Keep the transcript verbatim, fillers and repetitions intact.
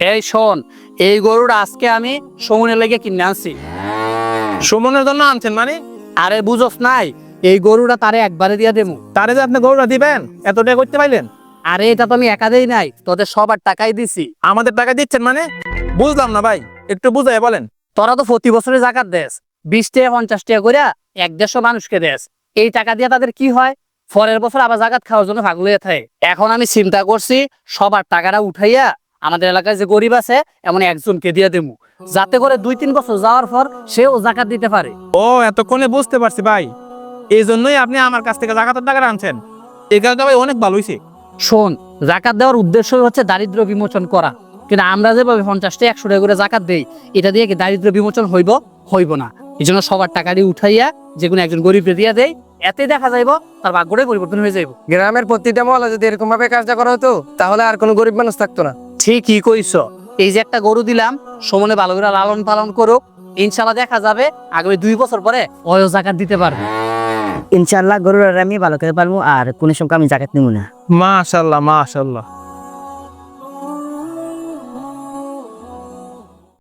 এই শোন, এই গরুটা আজকে আমি সুমনের লেগে কিনে আনছি। সুমনের জন্য আনছেন মানে? আরে বুঝোস নাই, এই গরুটা তারে একবারে দিয়া দেবো। তারে যে আপনি গরুটা দিবেন এত টাকা করতে পাইলেন? আরে এটা তো আমি একা দেই নাই, তোদের সবার টাকাই দিছি। আমাদের টাকা দিচ্ছেন মানে? বুঝলাম না ভাই, একটু বুঝাই বলেন। তোরা তো প্রতি বছরে জাকাত দেস, বিশ টাকা পঞ্চাশ টাকা করে এক দেড়শো মানুষকে দেস। এই টাকা দিয়ে তাদের কি হয়, পরের বছর আবার জাকাত খাওয়ার জন্য পাগল হয়ে থাকে। এখন আমি চিন্তা করছি সবার টাকাটা উঠাইয়া আমাদের এলাকায় যে গরিব আছে এমন একজনকে দিয়ে দেবো, যাতে করে দুই তিন বছর যাওয়ার পর সেও জাকাত দিতে পারে। ও এতক্ষণে বুঝতে পারছি ভাই, এই জন্যই আপনি আমার কাছ থেকে জাকাতের টাকা আনছেন। এই কাজটা ভাই অনেক ভালো হয়েছে। শোন, জাকাত দেওয়ার উদ্দেশ্যই হচ্ছে দারিদ্র বিমোচন করা, কিন্তু আমরা যেভাবে পঞ্চাশটা একশো টাকা করে জাকাত দেই, এটা দিয়ে কি দারিদ্র বিমোচন হইব? হইব না। এই জন্য সবার টাকাটি উঠাইয়া যে কোনো একজন গরিবকে দিয়ে দেয়, এতে দেখা যাইব তার ভাগ্যটাই পরিবর্তন হয়ে যাইব। গ্রামের প্রতিটা মহল্লা যদি এরকম ভাবে কাজটা করা হতো তাহলে আর কোনো গরিব মানুষ থাকতো না। ঠিকই কইছ। এই যে একটা গরু দিলাম, সমনে ভালো করে লালন পালন করুক, ইনশাল্লাহ দেখা যাবে আগামী দুই বছর পরে ওয়ও জাকাত দিতে পারবে। ইনশাআল্লাহ গরুর আমি ভালো করে পারবো আর কোনো সময় আমি জাকাত নিব না। মাশাআল্লাহ মাশাআল্লাহ।